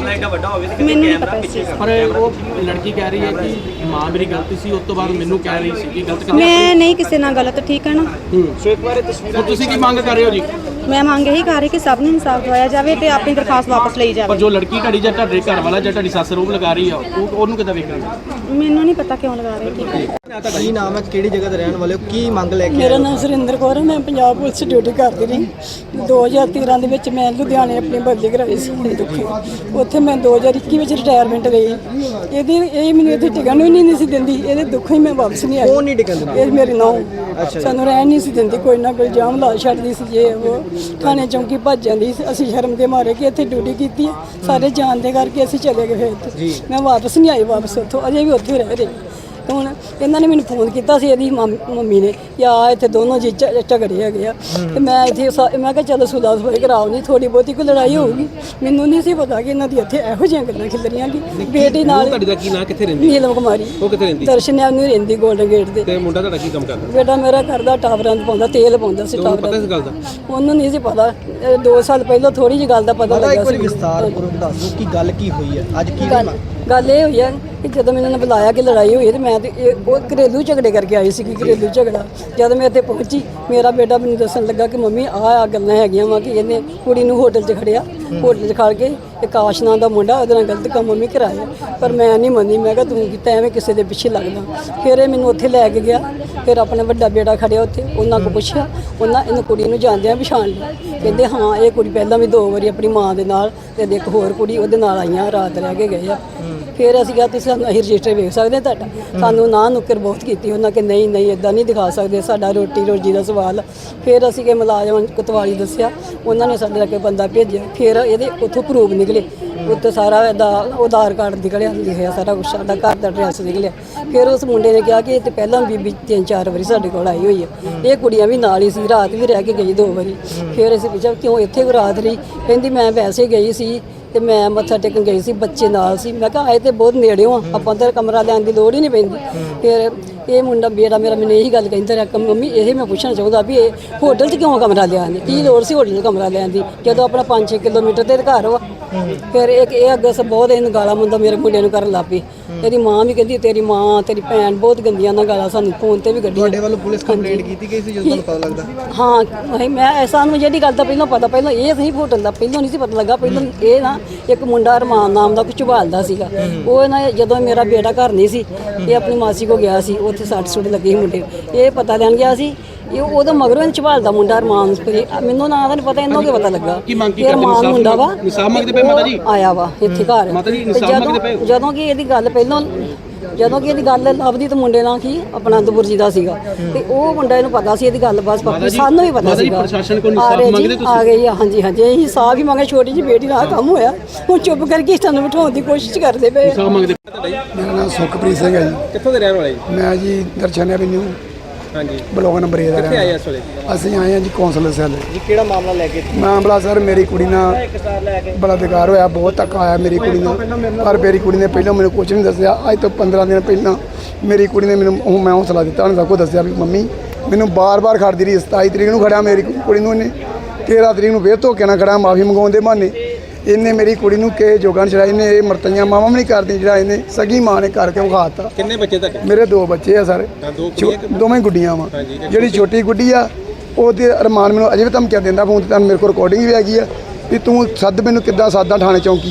ਮੈਨੂੰ ਨਹੀਂ ਪਤਾ ਇਸ ਚੀਜ਼ ਦਾ।
ਪਰ ਉਹ ਲੜਕੀ ਕਹਿ ਰਹੀ ਹੈ ਕਿ ਮਾਂ ਮੇਰੀ ਗਲਤੀ ਸੀ, ਉਸ ਤੋਂ ਬਾਅਦ ਮੈਨੂੰ ਕਹਿ ਰਹੀ ਸੀ ਕਿ ਗਲਤ ਕਰ।
ਮੈਂ ਨਹੀਂ ਕਿਸੇ ਨਾਲ ਗਲਤ, ਠੀਕ ਹੈ ਨਾ।
ਸੋ ਇੱਕ ਵਾਰ ਇਹ ਤਸਵੀਰ
ਤੁਸੀਂ ਕੀ ਮੰਗ ਕਰ ਰਹੇ ਹੋ ਜੀ?
ਮੈਂ ਮੰਗ ਇਹੀ ਕਰ ਰਹੀ ਕਿ ਸਭ ਨੂੰ ਇਨਸਾਫ ਦਵਾਇਆ ਜਾਵੇ ਤੇ ਆਪਣੀ ਦਰਖਾਸਤ ਵਾਪਸ ਲਈ
ਪਰ
ਜਾਵੇ।
ਜੋ ਲੜਕੀ ਤੁਹਾਡੀ ਜਾਂ ਤੁਹਾਡੇ ਘਰ ਵਾਲਾ ਜਾਂ ਤੁਹਾਡੀ ਸੱਸ ਰੋਪ ਲਗਾ ਰਹੀ ਆ, ਉਹ ਉਹਨੂੰ ਕਿੱਦਾਂ ਵੇਖਣਾ?
ਮੈਨੂੰ ਨਹੀਂ ਪਤਾ ਕਿਉਂ ਲਗਾ ਰਹੇ, ਠੀਕ ਹੈ।
ਕੀ ਨਾਮ ਹੈ, ਕਿਹੜੀ ਜਗ੍ਹਾ ਤੇ ਰਹਿਣ ਵਾਲੇ ਹੋ, ਕੀ ਮੰਗ ਲੈ ਕੇ
ਮੇਰਾ ਨਾਮ ਸੁਰਿੰਦਰ ਕੌਰ ਹੈ, ਮੈਂ ਪੰਜਾਬ ਪੁਲਿਸ 'ਚ ਡਿਊਟੀ ਕਰਦੀ ਰਹੀ। ਦੋ ਹਜ਼ਾਰ ਤੇਰਾਂ ਦੇ ਵਿੱਚ ਮੈਂ ਲੁਧਿਆਣੇ ਆਪਣੀ ਬਦਲੀ ਕਰਾਈ ਸੀ ਦੁੱਖੀ, ਉੱਥੇ ਮੈਂ ਦੋ ਹਜ਼ਾਰ ਇੱਕੀ ਵਿੱਚ ਰਿਟਾਇਰਮੈਂਟ ਲਈ। ਇਹਦੀ ਇਹ ਮੈਨੂੰ ਇੱਥੇ ਟਿਕਣ ਨੂੰ ਹੀ ਨਹੀਂ ਸੀ ਦਿੰਦੀ, ਇਹਦੇ ਦੁੱਖੋਂ ਹੀ ਮੈਂ ਵਾਪਸ ਨਹੀਂ ਆਈ।
ਕੌਣ ਨਹੀਂ ਟਿਕਣ ਦਿੰਦਾ?
ਇਹ ਮੇਰੀ ਨੂੰਹ ਸਾਨੂੰ ਰਹਿਣ ਨਹੀਂ ਸੀ ਦਿੰਦੀ, ਕੋਈ ਨਾ ਕੋਈ ਜਾਮ ਲਾ ਛੱਡਦੀ ਸੀ, ਜੇ ਉਹ ਥਾਣੇ ਚੌਂਕੀ ਭੱਜ ਜਾਂਦੀ ਸੀ। ਅਸੀਂ ਸ਼ਰਮ ਦੇ ਮਾਰੇ ਕਿ ਇੱਥੇ ਡਿਊਟੀ ਕੀਤੀ ਹੈ, ਸਾਰੇ ਜਾਣਦੇ ਕਰਕੇ ਅਸੀਂ ਚਲੇ ਗਏ। ਫਿਰ ਉੱਥੇ ਮੈਂ ਵਾਪਸ ਨਹੀਂ ਆਈ, ਵਾਪਸ ਉੱਥੋਂ ਅਜੇ ਵੀ ਉੱਥੇ ਰਹਿ ਰਹੀ। ਹੁਣ ਇਹਨਾਂ ਨੇ ਮੈਨੂੰ ਫੋਨ ਕੀਤਾ ਸੀ, ਇਹਦੀ ਮੰਮੀ ਨੇ, ਕਿ ਆ ਇੱਥੇ ਦੋਨੋਂ ਜੀ ਝ- ਝਗੜੇ ਹੈਗੇ ਆ। ਤੇ ਮੈਂ ਇੱਥੇ ਸਾ- ਮੈਂ ਕਿਹਾ ਚਲੋ ਸੁਲਾ ਸਫਾਈ ਕਰਾਓ, ਨਹੀਂ ਥੋੜੀ ਬਹੁਤੀ ਕੋਈ ਲੜਾਈ ਹੋਊਗੀ। ਮੈਨੂੰ ਨਹੀਂ ਸੀ ਪਤਾ ਕਿ ਇਹਨਾਂ ਦੀ ਇੱਥੇ ਇਹੋ ਜਿਹੀਆਂ ਗੱਲਾਂ ਖਿਲ ਰਹੀਆਂ ਕਿ ਬੇਟੀ ਨਾਲ।
ਤੁਹਾਡੀ ਦਾ ਕੀ ਨਾਂ, ਕਿੱਥੇ ਰਹਿੰਦੀ?
ਨੀਲਮ ਕੁਮਾਰੀ,
ਉਹ ਕਿੱਥੇ ਰਹਿੰਦੀ?
ਦਰਸ਼ਨ ਐਵਨਿਊ ਰਹਿੰਦੀ, ਗੋਲਡਨ ਗੇਟ ਦੇ।
ਤੇ ਮੁੰਡਾ ਤੁਹਾਡਾ ਕੀ ਕੰਮ ਕਰਦਾ?
ਬੇਟਾ ਮੇਰਾ ਕਰਦਾ ਟਾਵਰਾਂ ਦਾ ਪਾਉਂਦਾ, ਤੇਲ ਪਾਉਂਦਾ ਸੀ
ਤੁਹਾਨੂੰ ਪਤਾ
ਟਾਵਰਾਂ
ਇਸ ਗੱਲ ਦਾ?
ਉਹਨੂੰ ਨਹੀਂ ਸੀ ਪਤਾ। ਇਹ ਦੋ ਸਾਲ ਪਹਿਲਾਂ ਥੋੜੀ ਜਿਹੀ ਗੱਲ ਦਾ ਪਤਾ
ਪਤਾ
ਲੱਗਾ
ਇੱਕ ਵਾਰੀ
ਸੀ।
ਵਿਸਤਾਰਪੂਰਵਕ ਦੱਸ ਦਿਓ ਕਿ ਗੱਲ ਕੀ ਹੋਈ ਹੈ ਅੱਜ, ਕੀ
ਗੱਲ ਗੱਲ ਇਹ ਹੋਈ ਹੈ ਕਿ ਜਦੋਂ ਮੈਨੂੰ ਇਹਨਾਂ ਨੇ ਬੁਲਾਇਆ ਕਿ ਲੜਾਈ ਹੋਈ ਹੈ ਤੇ ਮੈਂ ਤੇ ਇਹ- ਉਹ ਘਰੇਲੂ ਝਗੜੇ ਕਰਕੇ ਆਈ ਸੀ, ਘਰੇਲੂ ਝਗੜਾ। ਜਦ ਮੈਂ ਇੱਥੇ ਪਹੁੰਚੀ, ਮੇਰਾ ਬੇਟਾ ਮੈਨੂੰ ਦੱਸਣ ਲੱਗਾ ਕਿ ਮੰਮੀ ਆਹ ਆ ਗੱਲਾਂ ਹੈਗੀਆਂ ਵਾ, ਕਿ ਇਹਨੇ ਕੁੜੀ ਨੂੰ ਹੋਟਲ 'ਚ ਖੜਿਆ, ਹੋਟਲ 'ਚ ਖੜ ਕੇ ਆਕਾਸ਼ ਨਾਂ ਦਾ ਮੁੰਡਾ ਉਹਦੇ ਨਾਲ ਗਲਤ ਕੰਮ ਮੰਮੀ ਕਰਾਇਆ। ਪਰ ਮੈਂ ਨਹੀਂ ਮੰਨੀ, ਮੈਂ ਕਿਹਾ ਤੂੰ ਕੀਤਾ ਐਵੇਂ ਕਿਸੇ ਦੇ ਪਿੱਛੇ ਲੱਗਦਾ। ਫਿਰ ਇਹ ਮੈਨੂੰ ਉੱਥੇ ਲੈ ਕੇ ਗਿਆ, ਫਿਰ ਆਪਣਾ ਵੱਡਾ ਬੇਟਾ ਖੜਿਆ ਉੱਥੇ, ਉਹਨਾਂ ਕੋਲ ਪੁੱਛਿਆ, ਉਹਨਾਂ ਇਹਨੂੰ ਕੁੜੀ ਨੂੰ ਜਾਣਦਿਆਂ ਪਛਾਣ ਲਿਆ। ਕਹਿੰਦੇ ਹਾਂ ਇਹ ਕੁੜੀ ਪਹਿਲਾਂ ਵੀ ਦੋ ਵਾਰੀ ਆਪਣੀ ਮਾਂ ਦੇ ਨਾਲ ਤੇ ਇੱਕ ਹੋਰ ਕੁੜੀ ਉਹਦੇ ਨਾਲ ਆਈਆਂ, ਰਾਤ ਰਹਿ ਕੇ ਗਏ ਆ। ਫਿਰ ਅਸੀਂ ਕਿਹਾ ਤੁਸੀਂ ਸਾਨੂੰ ਅਸੀਂ ਰਜਿਸਟਰ ਵੇਖ ਸਕਦੇ ਤੁਹਾਡਾ? ਸਾਨੂੰ ਨਾ ਨੁੱਕਰ ਬਹੁਤ ਕੀਤੀ ਉਹਨਾਂ ਕਿ ਨਹੀਂ ਨਹੀਂ ਇਦਾਂ ਨਹੀਂ ਦਿਖਾ ਸਕਦੇ, ਸਾਡਾ ਰੋਟੀ ਰੋਜੀ ਦਾ ਸਵਾਲ। ਫਿਰ ਅਸੀਂ ਕਿ ਮੁਲਾਜ਼ਮ ਕੋਤਵਾਲੀ ਦੱਸਿਆ, ਉਹਨਾਂ ਨੇ ਸਾਡੇ ਲੱਗੇ ਬੰਦਾ ਭੇਜਿਆ। ਫਿਰ ਇਹਦੇ ਉੱਥੋਂ ਪ੍ਰੂਫ ਨਿਕਲੇ, ਉੱਤੇ ਸਾਰਾ ਇਹਦਾ ਆਧਾਰ ਕਾਰਡ ਨਿਕਲਿਆ, ਲਿਖਿਆ ਸਾਰਾ ਕੁਛ, ਸਾਡਾ ਘਰ ਦਾ ਐਡਰੈਸ ਨਿਕਲਿਆ। ਫਿਰ ਉਸ ਮੁੰਡੇ ਨੇ ਕਿਹਾ ਕਿ ਇਹ ਤੇ ਪਹਿਲਾਂ ਬੀਬੀ ਤਿੰਨ ਚਾਰ ਵਾਰੀ ਸਾਡੇ ਕੋਲ ਆਈ ਹੋਈ ਹੈ, ਇਹ ਕੁੜੀਆਂ ਵੀ ਨਾਲ ਹੀ ਸੀ, ਰਾਤ ਵੀ ਰਹਿ ਕੇ ਗਈ ਦੋ ਵਾਰੀ। ਫਿਰ ਅਸੀਂ ਪੁੱਛਿਆ ਕਿਉਂ ਇੱਥੇ ਕੋ ਰਾਤ ਰਹੀ? ਕਹਿੰਦੀ ਮੈਂ ਵੈਸੇ ਗਈ ਸੀ ਤੇ ਮੈਂ ਮੱਥਾ ਟੇਕਣ ਗਈ ਸੀ, ਬੱਚੇ ਨਾਲ ਸੀ। ਮੈਂ ਕਿਹਾ ਆਏ ਤੇ ਬਹੁਤ ਨੇੜਿਓਂ ਆ, ਆਪਾਂ ਤਾਂ ਕਮਰਾ ਲੈਣ ਦੀ ਲੋੜ ਹੀ ਨਹੀਂ ਪੈਂਦੀ। ਫਿਰ ਇਹ ਮੁੰਡਾ ਬੇੜਾ ਮੇਰਾ ਮੈਨੂੰ ਇਹੀ ਗੱਲ ਕਹਿੰਦਾ ਰਿਹਾ ਕਿ ਮੰਮੀ ਇਹ ਮੈਂ ਪੁੱਛਣਾ ਚਾਹੁੰਦਾ ਵੀ ਇਹ ਹੋਟਲ 'ਚ ਕਿਉਂ ਕਮਰਾ ਲਿਆ ਨੇ, ਕੀ ਲੋੜ ਸੀ ਹੋਟਲ 'ਚ ਕਮਰਾ ਲੈਣ ਦੀ ਜਦੋਂ ਆਪਣਾ ਪੰਜ ਛੇ ਕਿਲੋਮੀਟਰ ਤੇ ਘਰ ਵਾ। ਫਿਰ ਇੱਕ ਇਹ ਅੱਗੇ ਸੇ ਬਹੁਤ ਇਹਨੂੰ ਗਾਲਾਂ ਮੁੰਡਾ ਮੇਰੇ ਮੁੰਡੇ ਨੂੰ ਕਰਨ ਲੱਗ ਪਈ। ਇਹਦੀ ਮਾਂ ਵੀ ਕਹਿੰਦੀ ਤੇਰੀ ਮਾਂ ਤੇਰੀ ਭੈਣ ਬਹੁਤ ਗੰਦੀਆਂ ਨਾਲ ਗਾਲਾਂ ਸਾਨੂੰ ਫੋਨ ਤੇ ਵੀ ਕੱਢੀਆਂ।
ਤੁਹਾਡੇ ਵੱਲੋਂ ਪੁਲਿਸ ਕੰਪਲੇਂਟ ਕੀਤੀ ਗਈ ਸੀ ਜਦੋਂ ਤੁਹਾਨੂੰ ਪਤਾ ਲੱਗਦਾ?
ਹਾਂ ਮੈਂ- ਮੈਂ ਸਾਨੂੰ ਜਿਹੜੀ ਗੱਲ ਦਾ ਪਹਿਲਾਂ ਪਤਾ, ਪਹਿਲਾਂ ਇਹ ਸਹੀ ਹੋਟਲ ਦਾ ਪਹਿਲਾਂ ਨਹੀਂ ਸੀ ਪਤਾ ਲੱਗਾ। ਪਹਿਲਾਂ ਇਹ ਨਾ ਇੱਕ ਮੁੰਡਾ ਅਰਮਾਨ ਨਾਮ ਦਾ ਕੁਝ ਝਬਾਲਦਾ ਸੀਗਾ, ਉਹ ਨਾ ਜਦੋਂ ਮੇਰਾ ਬੇਟਾ ਘਰ ਨਹੀਂ ਸੀ, ਇਹ ਆਪਣੀ ਮਾਸੀ ਕੋ ਗਿਆ ਸੀ, ਉੱਥੇ ਸੱਟ ਸੁੱਟ ਲੱਗੀ ਸੀ ਮੁੰਡੇ, ਇਹ ਪਤਾ ਲੈਣ ਗਿਆ ਸੀ। ਇਹ ਉਹਦਾ ਮਗਰੋਂ ਇਹਨੂੰ ਝਬਾਲਦਾ ਮੁੰਡਾ ਅਰਮਾਨ, ਮੈਨੂੰ ਨਾਂ ਦਾ ਨਹੀਂ ਪਤਾ, ਇਹਨੂੰ ਕੀ ਪਤਾ ਲੱਗਾ।
ਕੀ ਮੰਗ ਕੀ
ਇਹ
ਕਰਦੇ?
ਅਰਮਾਨ ਮੁੰਡਾ ਵਾ,
ਇਨਸਾਫ ਮੰਗਦੇ ਪਏ ਮਾਤਾ ਜੀ?
ਉਹ ਆਇਆ ਵਾ ਇੱਥੇ ਘਰ।
ਮਾਤਾ ਜੀ,
ਤੇ
ਇਨਸਾਫ ਮੰਗਦੇ ਪਏ?
ਜਦੋਂ ਜਦੋਂ ਕਿ ਇਹਦੀ ਗੱਲ ਪਹਿਲਾਂ ਜਦੋਂ ਕਿ ਇਹਦੀ ਗੱਲ ਲੱਭਦੀ ਤਾਂ ਮੁੰਡੇ ਨਾਲ ਕੀ ਆਪਣਾ ਦਬੁਰਜੀ ਦਾ ਸੀਗਾ, ਤੇ ਉਹ ਮੁੰਡਾ ਇਹਨੂੰ ਪਤਾ ਸੀ ਇਹਦੀ ਗੱਲ ਬਸ ਬਾਕੀ ਸਾਨੂੰ ਵੀ ਪਤਾ ਸੀਗਾ।
ਪ੍ਰਸ਼ਾਸਨ ਕੋਲ
ਆ
ਇਨਸਾਫ
ਰਹੇ ਜੀ,
ਮੰਗਦੇ ਤੁਸੀਂ?
ਆ ਗਏ ਆ, ਹਾਂਜੀ ਹਾਂਜੀ ਇਹੀ ਹਿਸਾਬ ਹੀ ਮੰਗੇ। ਛੋਟੀ ਜਿਹੀ ਬੇਟੀ ਨਾਲ ਕੰਮ ਹੋਇਆ, ਹੁਣ ਚੁੱਪ ਕਰਕੇ ਸਾਨੂੰ ਬਿਠਾਉਣ ਦੀ ਕੋਸ਼ਿਸ਼ ਕਰਦੇ ਪਏ।
ਇਨਸਾਫ ਮੰਗਦੇ
ਮੇਰਾ ਨਾਮ ਸੁਖਪ੍ਰੀਤ ਸਿੰਘ ਹੈ ਜੀ।
ਕਿੱਥੋਂ ਦੇ ਰਹਿਣ ਵਾਲੇ ਜੀ?
ਮੈਂ ਜੀ ਦਰਸ਼ਨ ਐਵਨਿਊ
ਹਾਂਜੀ,
ਬਲੋਕ ਨੰਬਰ ਏ ਦਾ
ਕਿੱਥੇ ਆਏ
ਰਹਿਣਾ।
ਇਸ ਵੇਲੇ?
ਅਸੀਂ ਆਏ ਹਾਂ ਜੀ ਕੌਂਸਲਰ ਸੈੱਲ।
ਜੀ ਕਿਹੜਾ ਮਾਮਲਾ ਲੈ ਕੇ?
ਮਾਮਲਾ ਸਰ ਮੇਰੀ ਕੁੜੀ ਨਾਲ ਬੜਾ ਬੇਕਾਰ ਹੋਇਆ, ਬਹੁਤ ਧੱਕਾ ਆਇਆ ਮੇਰੀ ਕੁੜੀ ਨਾਲ। ਪਰ ਮੇਰੀ ਕੁੜੀ ਨੇ ਪਹਿਲਾਂ ਮੈਨੂੰ ਕੁਝ ਨਹੀਂ ਦੱਸਿਆ। ਅੱਜ ਤੋਂ ਪੰਦਰਾਂ ਦਿਨ ਪਹਿਲਾਂ ਮੇਰੀ ਕੁੜੀ ਨੇ ਮੈਨੂੰ ਉਹ ਮੈਂ ਹੌਸਲਾ ਦਿੱਤਾ, ਉਹਨੇ ਸਭ ਕੁਝ ਦੱਸਿਆ ਵੀ ਮੰਮੀ ਮੈਨੂੰ ਬਾਰ-ਬਾਰ ਖੜਦੀ ਰਹੀ। ਸਤਾਈ ਤਰੀਕ ਨੂੰ ਖੜਿਆ ਮੇਰੀ ਕੁੜੀ ਨੂੰ, ਇਹਨੇ ਤੇਰਾਂ ਤਰੀਕ ਨੂੰ ਫੇਰ ਧੋਕੇ ਨਾਲ ਖੜਾ ਮਾਫੀ ਮੰਗਾਉਣ ਦੇ ਬਹਾਨੇ। ਇਹਨੇ ਮੇਰੀ ਕੁੜੀ ਨੂੰ ਕਿਸੇ ਜੋਗਾਂ ਛੜਾਈ, ਇਹਨੇ ਇਹ ਮਰਤਈਆਂ ਮਾਵਾਂ ਵੀ ਨਹੀਂ ਕਰਦੀ ਜਿਹੜਾ ਇਹਨੇ ਸਗੀ ਮਾਂ ਨੇ ਕਰਕੇ ਵਿਖਾਤਾ।
ਕਿੰਨੇ ਬੱਚੇ ਤੁਹਾਡੇ?
ਮੇਰੇ ਦੋ ਬੱਚੇ ਆ ਸਰ,
ਹਾਂ, ਦੋ
ਛੋ-
ਕੁੜੀਆਂ ਕਿ-
ਦੋਵੇਂ ਗੁੱਡੀਆਂ ਵਾ।
ਹਾਂਜੀ, ਇੱਕ
ਜਿਹੜੀ ਛੋਟੀ ਗੁੱਡੀ ਆ ਉਹਦੇ ਅਰਮਾਨ ਮੈਨੂੰ ਅਜੇ ਵੀ ਧਮਕੀਆਂ ਦਿੰਦਾ ਫੋਨ ਤੇ, ਤੁਹਾਨੂੰ ਮੇਰੇ ਕੋਲ ਰਿਕਾਰਡਿੰਗ ਵੀ ਹੈਗੀ ਆ ਵੀ ਤੂੰ ਸੱਦ ਮੈਨੂੰ, ਕਿੱਦਾਂ ਸਾਦਾ ਥਾਣੇ ਚੌਂਕੀ।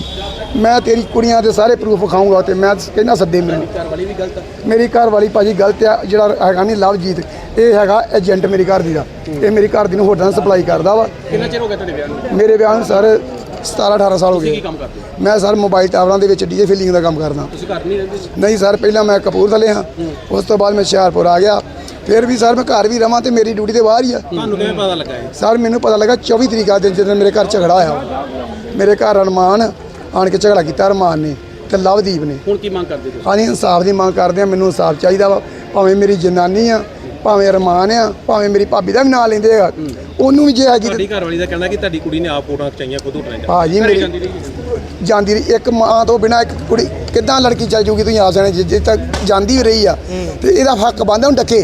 ਮੈਂ ਤੇਰੀ ਕੁੜੀਆਂ ਦੇ ਸਾਰੇ ਪ੍ਰੂਫ ਵਿਖਾਊਂਗਾ ਤੇ ਮੈਂ ਕਹਿੰਦਾ ਸੱਦੇ ਮੈਨੂੰ।
ਘਰ ਵਾਲੀ ਵੀ ਗਲਤ ਆ।
ਮੇਰੀ ਘਰ ਵਾਲੀ ਭਾਜੀ ਗਲਤ ਆ। ਜਿਹੜਾ ਹੈਗਾ ਨਹੀਂ ਲਵਜੀਤ, ਇਹ ਹੈਗਾ ਏਜੰਟ ਮੇਰੀ ਘਰ ਦੀ ਦਾ। ਇਹ ਮੇਰੀ ਘਰ ਦੀ ਨੂੰ ਹੋਟਲਾਂ ਸਪਲਾਈ ਕਰਦਾ ਵਾ।
ਕਿੰਨਾ ਚਿਰ ਹੋ ਗਿਆ ਤੁਹਾਡੇ ਵਿਆਹ ਨੂੰ?
ਮੇਰੇ ਵਿਆਹ ਨੂੰ ਸਰ ਸਤਾਰਾਂ ਅਠਾਰਾਂ ਸਾਲ ਹੋ
ਕੀ
ਗਏ।
ਕੰਮ ਕਰਦੇ ਹੋ?
ਮੈਂ ਸਰ ਮੋਬਾਈਲ ਟਾਵਰਾਂ ਦੇ ਵਿੱਚ ਡੀਜੇ ਫਿਲਿੰਗ ਦਾ ਕੰਮ ਕਰਦਾ।
ਤੁਸੀਂ ਘਰ ਨਹੀਂ ਰਹਿੰਦੇ ਸੀ?
ਨਹੀਂ ਸਰ, ਪਹਿਲਾਂ ਮੈਂ ਕਪੂਰਥਲੇ ਹਾਂ, ਉਸ ਤੋਂ ਬਾਅਦ ਮੈਂ ਹੁਸ਼ਿਆਰਪੁਰ ਆ ਗਿਆ। ਫਿਰ ਵੀ ਸਰ ਮੈਂ ਘਰ ਵੀ ਰਵਾਂ ਤੇ ਮੇਰੀ ਡਿਊਟੀ ਤੇ ਬਾਹਰ ਹੀ ਆ।
ਤੁਹਾਨੂੰ ਕਿਵੇਂ ਪਤਾ ਲੱਗਾ ਇਹ?
ਸਰ ਮੈਨੂੰ ਪਤਾ ਲੱਗਾ ਚੌਵੀ ਤਰੀਕ ਦਿਨ ਜਦੋਂ ਮੇਰੇ ਘਰ ਝਗੜਾ ਹੋਇਆ। ਮੇਰੇ ਘਰ ਅਰਮਾਨ ਆਣ ਕੇ ਝਗੜਾ ਕੀਤਾ, ਅਰਮਾਨ ਨੇ ਤੇ ਲਵਦੀਪ ਨੇ।
ਹੁਣ ਕੀ ਮੰਗ ਕਰਦੇ ਤੁਸੀਂ?
ਹਾਂਜੀ ਇਨਸਾਫ ਦੀ ਮੰਗ ਕਰਦੇ ਆ। ਮੈਨੂੰ ਇਨਸਾਫ ਚਾਹੀਦਾ ਵਾ, ਭਾਵੇਂ ਮੇਰੀ ਜਨਾਨੀ ਆ, ਭਾਵੇਂ ਅਰਮਾਨ ਆ, ਭਾਵੇਂ ਮੇਰੀ ਭਾਬੀ ਦਾ ਵੀ ਨਾਂ ਲੈਂਦੇ ਆ, ਉਹਨੂੰ ਵੀ ਜੇ ਹੈਗੀ
ਤੁਹਾਡੀ ਘਰ ਵਾਲੀ ਦਾ ਕਹਿਣਾ ਕਿ ਤੁਹਾਡੀ ਕੁੜੀ ਨੇ ਆਪ ਫੋਟੋਆਂ ਖਿਚਾਈਆਂ ਖੁਦ ਉਠਾਈਆਂ।
ਭਾਜੀ ਮੇਰੀ ਜਾਂਦੀ ਰਹੀ। ਇੱਕ ਮਾਂ ਤੋਂ ਬਿਨਾ ਇੱਕ ਕੁੜੀ ਕਿੱਦਾਂ ਲੜਕੀ ਚੱਲ ਜੂਗੀ? ਤੁਸੀਂ ਆਪ ਜਾਣੇ, ਜੇ ਤੱਕ ਜਾਂਦੀ ਵੀ ਰਹੀ ਆ ਤੇ ਇਹਦਾ ਹੱਕ ਬਣਦਾ ਹੁਣ ਡੱਕੇ।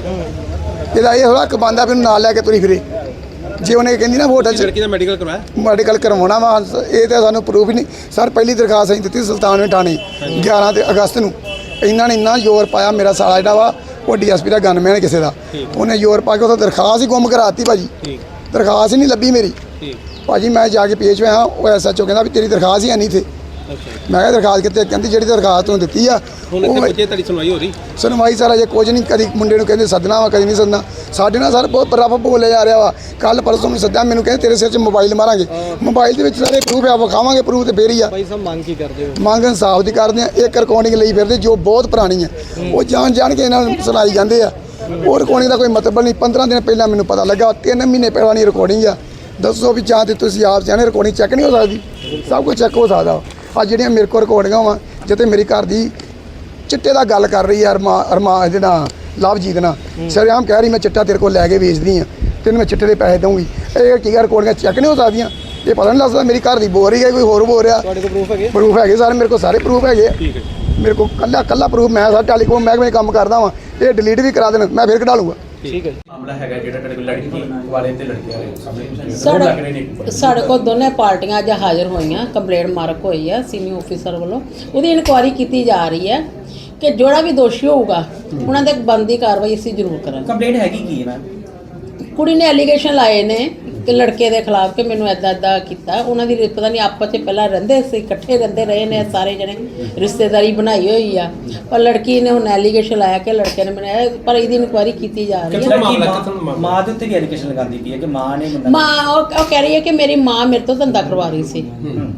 ਇਹਦਾ ਇਹ ਥੋੜ੍ਹਾ ਹੱਕ ਬਣਦਾ ਵੀ ਉਹਨੂੰ ਨਾਲ ਲੈ ਕੇ ਤੁਰੀ ਫਿਰੇ। ਜੇ ਉਹਨੇ ਕਹਿੰਦੀ ਨਾ ਹੋਟਲ 'ਚ
ਲੜਕੀ ਦਾ ਮੈਡੀਕਲ ਕਰਵਾਇਆ?
ਮੈਡੀਕਲ ਕਰਵਾਉਣਾ ਵਾ, ਇਹ ਤਾਂ ਸਾਨੂੰ ਪ੍ਰੂਫ ਹੀ ਨਹੀਂ ਸਰ। ਪਹਿਲੀ ਦਰਖਾਸਤ ਅਸੀਂ ਦਿੱਤੀ ਸੁਲਤਾਨਵੇਂ ਥਾਣੇ ਗਿਆਰਾਂ ਤੇ ਅਗਸਤ ਨੂੰ। ਇਹਨਾਂ ਨੇ ਇੰਨਾ ਜ਼ੋਰ ਪਾਇਆ, ਮੇਰਾ ਸਾਲਾ ਜਿਹੜਾ ਵਾ ਉਹ ਡੀ ਐਸ ਪੀ ਦਾ ਗਨਮੈਨ ਕਿਸੇ ਦਾ, ਉਹਨੇ ਜ਼ੋਰ ਪਾ ਕੇ ਉਹ ਦਰਖਾਸਤ ਹੀ ਗੁੰਮ ਕਰਾਤੀ ਭਾਜੀ। ਦਰਖਾਸਤ ਹੀ ਨਹੀਂ ਲੱਭੀ ਮੇਰੀ ਭਾਜੀ। ਮੈਂ ਜਾ ਕੇ ਪੇਸ਼ ਹੋਇਆ, ਉਹ ਐਸ ਐਚ ਓ ਕਹਿੰਦਾ ਵੀ ਤੇਰੀ ਦਰਖਾਸਤ ਹੀ ਹੈ ਨਹੀਂ ਇੱਥੇ। ਮੈਂ ਕਿਹਾ ਦਰਖਾਸਤ ਕਿੱਥੇ? ਕਹਿੰਦੀ ਜਿਹੜੀ ਦਰਖਾਸਤ ਤੁਹਾਨੂੰ ਦਿੱਤੀ ਆ
ਹੁਣ ਇੱਥੇ ਬੱਚੇ ਤੁਹਾਡੀ ਸੁਣਵਾਈ ਹੋ ਰਹੀ?
ਸੁਣਵਾਈ ਸਰ ਅਜੇ ਕੁਝ ਨਹੀਂ। ਕਦੀ ਮੁੰਡੇ ਨੂੰ ਕਹਿੰਦੇ ਸੱਦਣਾ ਵਾ, ਕਦੀ ਨਹੀਂ ਸੱਦਣਾ। ਸਾਡੇ ਨਾਲ ਸਰ ਬਹੁਤ ਰੱਫ ਬੋਲਿਆ ਜਾ ਰਿਹਾ ਵਾ। ਕੱਲ ਪਰਸੋਂ ਨੂੰ ਸੱਦਿਆ, ਮੈਨੂੰ ਕਹਿੰਦੇ ਤੇਰੇ ਸਿਰ 'ਚ ਮੋਬਾਈਲ ਮਾਰਾਂਗੇ। ਮੋਬਾਈਲ ਦੇ ਵਿੱਚ ਸਾਰੇ ਪ੍ਰੂਫ ਆ, ਵਿਖਾਵਾਂਗੇ ਪ੍ਰੂਫ ਤੇ ਫੇਰ ਹੀ ਆ।
ਭਾਈ ਸਾਹਿਬ ਮੰਗ ਕੀ ਕਰਦੇ ਹੋ?
ਮੰਗ ਇਨਸਾਫ ਦੀ ਕਰਦੇ ਆ। ਇੱਕ ਰਿਕਾਰਡਿੰਗ ਲਈ ਫਿਰਦੇ ਜੋ ਬਹੁਤ ਪੁਰਾਣੀ ਆ, ਉਹ ਜਾਣ ਜਾਣ ਕੇ ਇਹਨਾਂ ਨੂੰ ਸੁਣਾਈ ਜਾਂਦੇ ਆ। ਉਹ ਰਿਕਾਰਡਿੰਗ ਦਾ ਕੋਈ ਮਤਲਬ ਨਹੀਂ। ਪੰਦਰਾਂ ਦਿਨ ਪਹਿਲਾਂ ਮੈਨੂੰ ਪਤਾ ਲੱਗਾ, ਤਿੰਨ ਮਹੀਨੇ ਪੁਰਾਣੀ ਰਿਕਾਰਡਿੰਗ ਆ। ਦੱਸੋ ਵੀ ਜਾਂ ਤੇ ਤੁਸੀਂ ਆਪ ਜਾਣੇ ਰਿਕਾਰਡਿੰਗ ਚੈੱਕ ਨਹੀਂ ਹੋ ਸਕਦੀ? ਸਭ ਕੁਝ ਚੈੱਕ ਹੋ ਸਕਦਾ। ਆ ਜਿਹੜੀਆਂ ਮੇਰੇ ਕੋਲ ਰਿਕਾਰਡਿੰਗਾਂ ਵਾ, ਜਿੱਥੇ ਮੇਰੀ ਘਰ ਦੀ ਚਿੱਟੇ ਦਾ ਗੱਲ ਕਰ ਰਹੀ ਆ ਅਰਮਾ ਅਰਮਾ ਇਹਦੇ ਨਾਲ ਲਵਜੀਤ ਨਾਲ ਸ਼ਰੇਆਮ ਕਹਿ ਰਹੀ ਮੈਂ ਚਿੱਟਾ ਤੇਰੇ ਕੋਲ ਲੈ ਕੇ ਵੇਚਦੀ ਆ, ਤੈਨੂੰ ਮੈਂ ਚਿੱਟੇ ਦੇ ਪੈਸੇ ਦਊਂਗੀ। ਇਹ ਕੀ ਰਿਕਾਰਡਿੰਗਾਂ ਚੈੱਕ ਨਹੀਂ ਹੋ ਸਕਦੀਆਂ? ਇਹ ਪਤਾ ਨਹੀਂ ਲੱਗਦਾ ਮੇਰੀ ਘਰ ਦੀ ਬੋਲ ਰਹੀ ਹੈ ਕੋਈ ਹੋਰ ਬੋਲ ਰਿਹਾ।
ਤੁਹਾਡੇ ਕੋਲ ਪ੍ਰੂਫ ਹੈਗੇ?
ਪ੍ਰੂਫ ਹੈਗੇ ਸਾਰੇ ਮੇਰੇ ਕੋਲ, ਸਾਰੇ ਪ੍ਰੂਫ ਹੈਗੇ।
ਠੀਕ ਹੈ।
ਮੇਰੇ ਕੋਲ ਕੱਲਾ ਕੱਲਾ ਪ੍ਰੂਫ। ਮੈਂ ਸਰ ਟੈਲੀਕਾਮ ਮਹਿਕਮੇ ਕੰਮ ਕਰਦਾ ਵਾਂ, ਇਹ ਡਿਲੀਟ ਵੀ ਕਰਾ ਦੇਣ, ਮੈਂ ਫਿਰ ਕਢਾ ਲੂੰਗਾ।
ਠੀਕ ਹੈ ਜੀ।
ਮਾਮਲਾ ਹੈਗਾ ਜਿਹੜਾ ਤੁਹਾਡੇ ਕੋਲ ਲੜਕੀ ਵਾਲੇ ਤੇ ਲੜਕੀਆਂ ਦੇ ਸਾਹਮਣੇ
ਸਾਡੇ ਸਾਡੇ ਕੋਲ ਦੋਨੇ ਪਾਰਟੀਆਂ ਅੱਜ ਹਾਜ਼ਰ ਹੋਈਆਂ। ਕੰਪਲੇਂਟ ਮਾਰਕ ਹੋਈ ਹੈ ਸੀਨੀਅਰ ਆਫੀਸਰ ਵੱਲੋਂ। ਉਹਦੀ ਇਨਕੁਆਇਰੀ ਕੀਤੀ ਜਾ ਰਹੀ ਹੈ ਕਿ ਜਿਹੜਾ ਵੀ ਦੋਸ਼ੀ ਹੋਊਗਾ ਉਹਨਾਂ ਦੇ ਬਣਦੀ ਕਾਰਵਾਈ ਅਸੀਂ ਜ਼ਰੂਰ ਕਰਾਂਗੇ।
ਕੰਪਲੇਂਟ ਹੈਗੀ ਕੀ ਹੈ ਮੈਮ?
ਕੁੜੀ ਨੇ ਐਲੀਗੇਸ਼ਨ ਲਾਏ ਨੇ ਕਿ ਲੜਕੇ ਦੇ ਖਿਲਾਫ ਕਿ ਮੈਨੂੰ ਐਦਾਂ ਐਦਾਂ ਕੀਤਾ। ਉਹਨਾਂ ਦੀ ਪਤਾ ਨਹੀਂ ਆਪਸ 'ਚ ਪਹਿਲਾਂ ਰਹਿੰਦੇ ਸੀ, ਇਕੱਠੇ ਰਹਿੰਦੇ ਰਹੇ ਨੇ ਸਾਰੇ ਜਣੇ, ਰਿਸ਼ਤੇਦਾਰੀ ਬਣਾਈ ਹੋਈ ਆ। ਪਰ ਲੜਕੀ ਨੇ ਹੁਣ ਐਲੀਗੇਸ਼ਨ ਲਾਇਆ ਕਿ ਲੜਕੇ ਨੇ ਬਣਾਇਆ, ਪਰ ਇਹਦੀ ਇਨਕੁਆਇਰੀ ਕੀਤੀ ਜਾ ਰਹੀ ਹੈ।
ਮਾਂ ਦੇ ਉੱਤੇ ਵੀ ਐਲੀਗੇਸ਼ਨ ਲਗਾਉਂਦੀ ਪਈ ਹੈ ਕਿ ਮਾਂ ਨੇ
ਮਾਂ ਉਹ ਉਹ ਕਹਿ ਰਹੀ ਹੈ ਕਿ ਮੇਰੀ ਮਾਂ ਮੇਰੇ ਤੋਂ ਧੰਦਾ ਕਰਵਾ ਰਹੀ ਸੀ।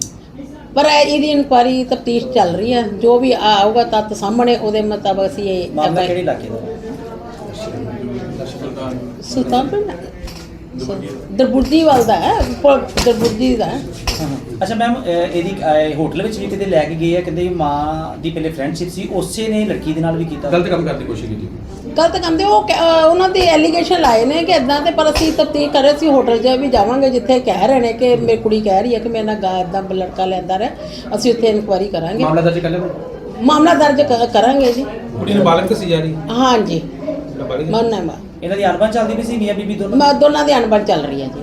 ਪਰ ਇਹ- ਇਹਦੀ ਇਨਕੁਆਇਰੀ ਤਫਤੀਸ਼ ਚੱਲ ਰਹੀ ਹੈ। ਜੋ ਵੀ ਆਊਗਾ ਤੱਤ ਸਾਹਮਣੇ ਉਹਦੇ ਮੁਤਾਬਕ ਅਸੀਂ ਇਹ
ਮਾਮਲਾ ਕਿਹੜੇ ਇਲਾਕੇ ਦਾ?
ਸੁਲਤਾਨਪੁਰ ਦਰਬੁਰਦੀ ਵੱਲ ਦਾ ਹੈ, ਪ- ਦਰਬੁਰਦੀ ਦਾ ਹੈ।
ਅੱਛਾ ਮੈਮ, ਇਹਦੀ ਅਹ, ਹੋਟਲ ਵਿੱਚ ਵੀ ਕਿਤੇ ਲੈ ਕੇ ਗਏ ਆ, ਕਹਿੰਦੇ ਮਾਂ ਦੀ ਪਹਿਲੇ ਫਰੈਂਡਸ਼ਿਪ ਸੀ, ਉਸੇ ਨੇ ਲੜਕੀ ਦੇ ਨਾਲ ਵੀ ਕੀਤਾ।
ਗਲਤ ਕੰਮ ਕਰਨ ਦੀ ਕੋਸ਼ਿਸ਼ ਕੀਤੀ।
ਗਲਤ ਕਹਿੰਦੇ ਉਹ ਕਹਿ- ਅਹ ਉਹਨਾਂ ਦੇ ਐਲੀਗੇਸ਼ਨ ਲਾਏ ਨੇ ਕਿ ਇਦਾਂ ਤੇ, ਪਰ ਅਸੀਂ ਤਫਤੀਸ਼ ਕਰ ਰਹੇ ਸੀ। ਹੋਟਲ 'ਚ ਵੀ ਜਾਵਾਂਗੇ ਜਿੱਥੇ ਕਹਿ ਰਹੇ ਨੇ ਕਿ ਮੇਰੀ ਕੁੜੀ ਕਹਿ ਰਹੀ ਹੈ ਕਿ ਮੇਰੇ ਨਾਲ ਗਾ ਇਦਾਂ ਲੜਕਾ ਲੈਂਦਾ ਰਿਹਾ। ਅਸੀਂ ਉੱਥੇ ਇਨਕੁਆਇਰੀ ਕਰਾਂਗੇ,
ਮਾਮਲਾ ਦਰਜ ਕਰ ਲਿਆ?
ਮਾਮਲਾ ਦਰਜ ਕ- ਕਰਾਂਗੇ ਜੀ।
ਕੁੜੀ ਨਾਬਾਲਗ ਸੀ ਜਾ ਰਹੀ?
ਹਾਂਜੀ
ਨਾਬਾਲਗ?
ਮੰਨਣਾ ਵਾ
ਇਹਨਾਂ ਦੀ ਅਣਬਣ ਚੱਲਦੀ ਵੀ ਸੀ ਮੀਆਂ ਬੀਬੀ ਦੋਨੋਂ?
ਮੈਂ ਦੋਨਾਂ ਦੀ ਅਣਬਣ ਚੱਲ ਰਹੀ ਹੈ ਜੀ।